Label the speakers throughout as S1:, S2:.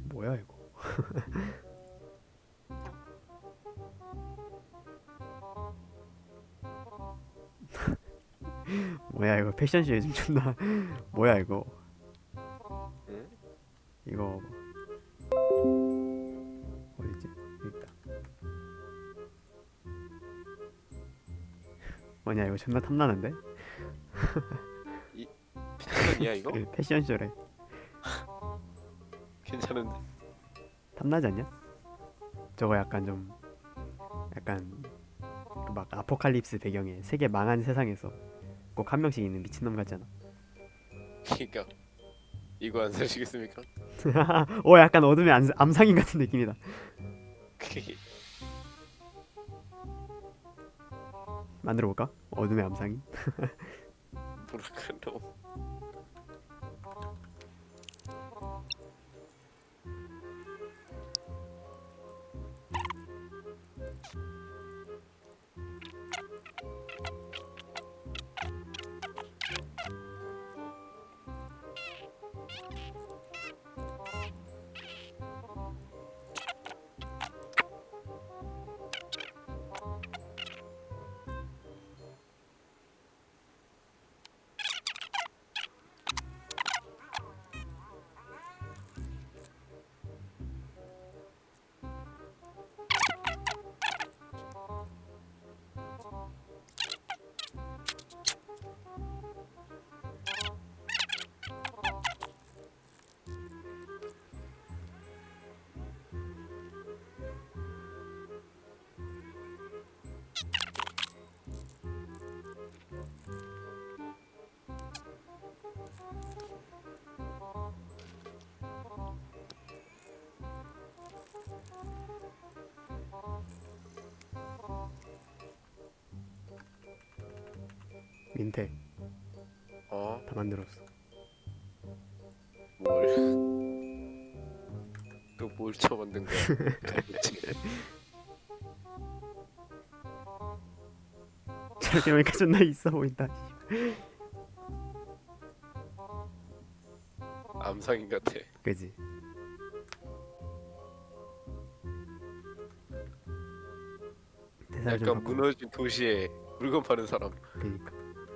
S1: 뭐야 이거? 뭐야 이거 패션쇼 요즘 존나 뭐야 이거?
S2: 응?
S1: 이거 어디지? 여기 있다. 뭐냐 이거 존나 탐나는데?
S2: 패션이야 이거?
S1: 패션쇼래.
S2: 괜찮은데?
S1: 탐나지 않냐? 저거 약간 좀 약간 그막 아포칼립스 배경에 세계 망한 세상에서 꼭 한 명씩 있는 미친놈 같잖아.
S2: 그니까 이거 안 사시겠습니까?
S1: 오 약간 어둠의 암상인 같은 느낌이다. 만들어 볼까? 어둠의 암상인.
S2: 뭐랄까 너무
S1: 민태
S2: 어?
S1: 다 만들었어.
S2: 뭘? 또 뭘 쳐만든 거야? 도대체.
S1: 저렇게 보니까 존나 있어 보인다.
S2: 암상인 같아.
S1: 그지? 대사를 좀
S2: 약간
S1: 바꿔.
S2: 무너진 도시에 물건 파는 사람.
S1: 그니까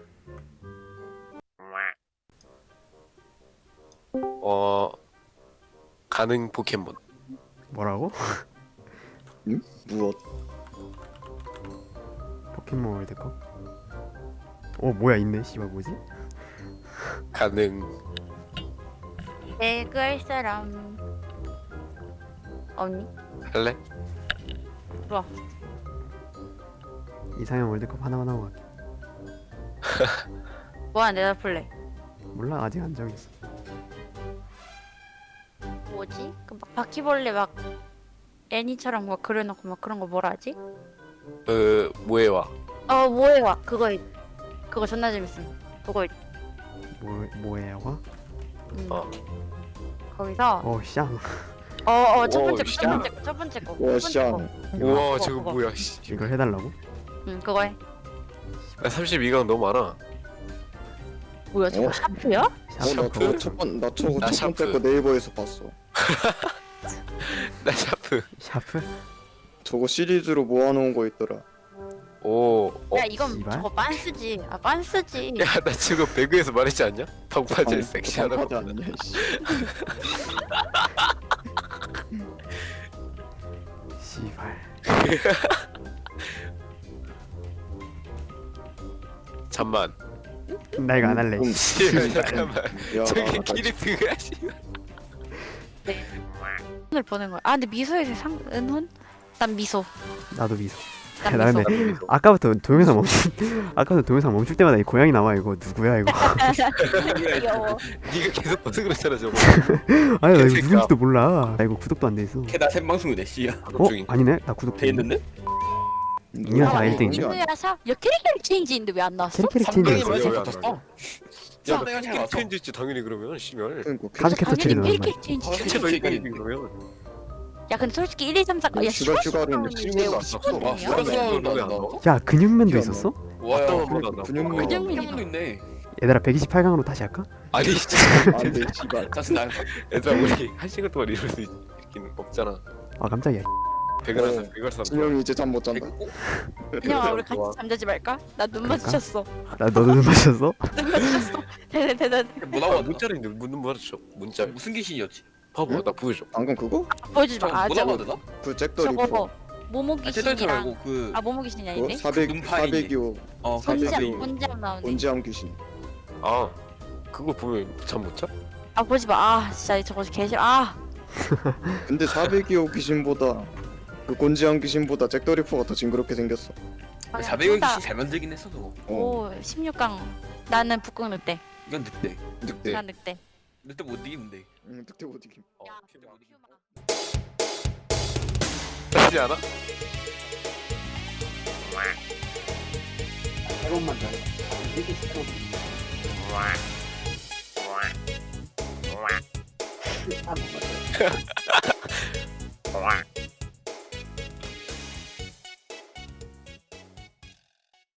S2: 가능 포켓몬.
S1: 뭐라고?
S3: 응? 무엇?
S1: 포켓몬 월드컵? 어 뭐야 있네. 씨발 뭐지?
S2: 가능.
S4: 읽을 사람 없니?
S2: 할래?
S4: 좋아.
S1: 이상형 월드컵 하나만 하고 갈게.
S4: 뭐야 내가 플레이
S1: 몰라 아직 안 정했어.
S4: 뭐지? 그 막 바퀴벌레 막 애니처럼 막 그려놓고 막 그런 거 뭐라 하지?
S2: 모에와.
S4: 뭐해와 그거 존나 재밌음. 그거
S1: 뭐예요?
S2: 어.
S4: 거기서
S1: 어 샹.
S4: 첫
S2: 오,
S4: 번째
S2: 씨.
S4: 첫 번째 거
S3: 와,
S4: 첫 번째
S3: 샹.
S4: 거.
S2: 우와
S4: 그거,
S2: 저거
S4: 그거.
S2: 뭐야? 씨.
S1: 이걸 해달라고?
S4: 응 그거 해.
S2: 나 32강 너무 많아.
S4: 뭐야 저거
S3: 어?
S4: 샤프야?
S1: 샤프
S3: 나
S1: 그거
S3: 저거 나 저거
S2: 나
S3: 첫 번째
S2: 샤프.
S3: 거 네이버에서 봤어.
S2: 나 샤프.
S1: 샤프?
S3: 저거 시리즈로 모아놓은 거 있더라.
S2: 오.
S4: 야 이건
S1: 씨발?
S4: 저거 빤스지. 빤스지.
S2: 야, 나 지금 배그에서 말했지 않냐? 덕바질 섹시하다고.
S3: 방파제 아니냐? 씨.
S1: 씨발.
S2: 잠만.
S1: 나 이거 안 할래.
S2: 씨발 잠깐만.
S3: 야,
S2: 저게
S3: 나
S2: 키리트가 씨발.
S4: 오늘 보는 거야. 근데 미소에서 은혼? 난 미소.
S1: 나도 미소.
S4: 난
S1: 나
S4: 미소.
S1: 근데 아까부터 동영상 멈출 때마다 이 고양이 나와. 이거 누구야 이거?
S4: 귀여워.
S2: 네가 계속 봐서 그랬잖아 저거.
S1: 아니 나 이거
S2: 개새끼야.
S1: 누군지도 몰라. 나 이거 구독도 안 돼 있어.
S5: 걔나 생방송이네 씨야.
S1: 어? 아니네. 나 구독
S5: 돼 있는데?
S1: 이년 다
S4: 아,
S1: 일등이지.
S4: 누구야 사? 야 캐릭터 체인지인데 왜 안 나왔어?
S1: 캐릭터
S5: 삼등이
S1: 체인지.
S2: 뭐야,
S5: 많이
S2: 왜
S5: 잡혔어.
S2: 야,
S5: 나 내가 잘 왔어.
S2: 팬 있지 당연히 그러면 심열.
S3: 그러니까
S1: 카드 캡터
S4: 당연히
S1: 처리는 얼마야?
S4: 캐릭터 체인지.
S5: 아,
S2: 해체도
S5: 그러니까
S2: 이기니 그러면.
S4: 야 근데 솔직히 1, 2, 3, 4
S3: 야,
S4: 야
S3: 슈가
S4: 10월
S3: 슈가를
S4: 10월
S3: 친구도
S4: 왜
S3: 안
S4: 10월
S5: 아,
S4: 이야?
S5: 수학수학은
S2: 왜
S5: 안
S2: 안
S5: 나와?
S1: 야 근육맨도
S3: 기억 안
S1: 있었어?
S5: 와야
S2: 어떤 거 나온다.
S3: 근육맨.
S4: 근육맨.
S5: 형도 있네.
S1: 얘들아 128강으로 다시 할까?
S2: 아니 진짜
S3: 안돼 씨발.
S5: 짜증나.
S2: 얘들아 우리 한 시간 동안 이럴 수 있긴 없잖아.
S1: 아 깜짝이야.
S2: 백을한 백을삼.
S3: 진영이 이제 잠 못 잔다.
S4: 그냥 우리 같이 잠자지 말까? 나 눈
S1: 그럴까?
S4: 마주쳤어.
S1: 나 너도 눈 맞췄어?
S4: 눈 마주쳤어. 대단.
S5: 뭐라고 하더라?
S2: 문자인데 문 말했죠. 문자.
S5: 무슨 귀신이었지?
S2: 봐봐 나 보여줘.
S3: 방금 그거?
S4: 보여주지 마. 아
S5: 뭐라고
S4: 저거
S5: 하더라?
S3: 그 잭더 리퍼.
S4: 저거 모모
S5: 아 쟤떨터
S4: 귀신이랑
S5: 말고 그
S4: 아 모모 귀신이
S3: 그거
S4: 아닌데?
S3: 400
S5: 눈파이네.
S3: 402호
S4: 본지암
S3: 사백이요.
S4: 본지암 나오네.
S3: 본지암 귀신.
S2: 아 그거 보면 잠 못 자?
S4: 아 보지 마. 아 진짜 저거 개 싫어. 아
S3: 근데 402호 귀신보다 그 곤지암 귀신보다 잭더 리퍼가 더 징그럽게 생겼어.
S5: 400원 귀신 잘 만들긴 했어 저거.
S3: 어.
S4: 오 16강. 나는 북극 늑대.
S5: 이건 늑대.
S3: 늑대.
S4: 난 늑대.
S5: 늑대 못 이기는데.
S3: 늑대 못 이김.
S4: 야,
S5: 늑대 못 이겨.
S2: 하지 않아?
S6: 해본만 더. 이렇게 시끄러워. 아, 뭔가.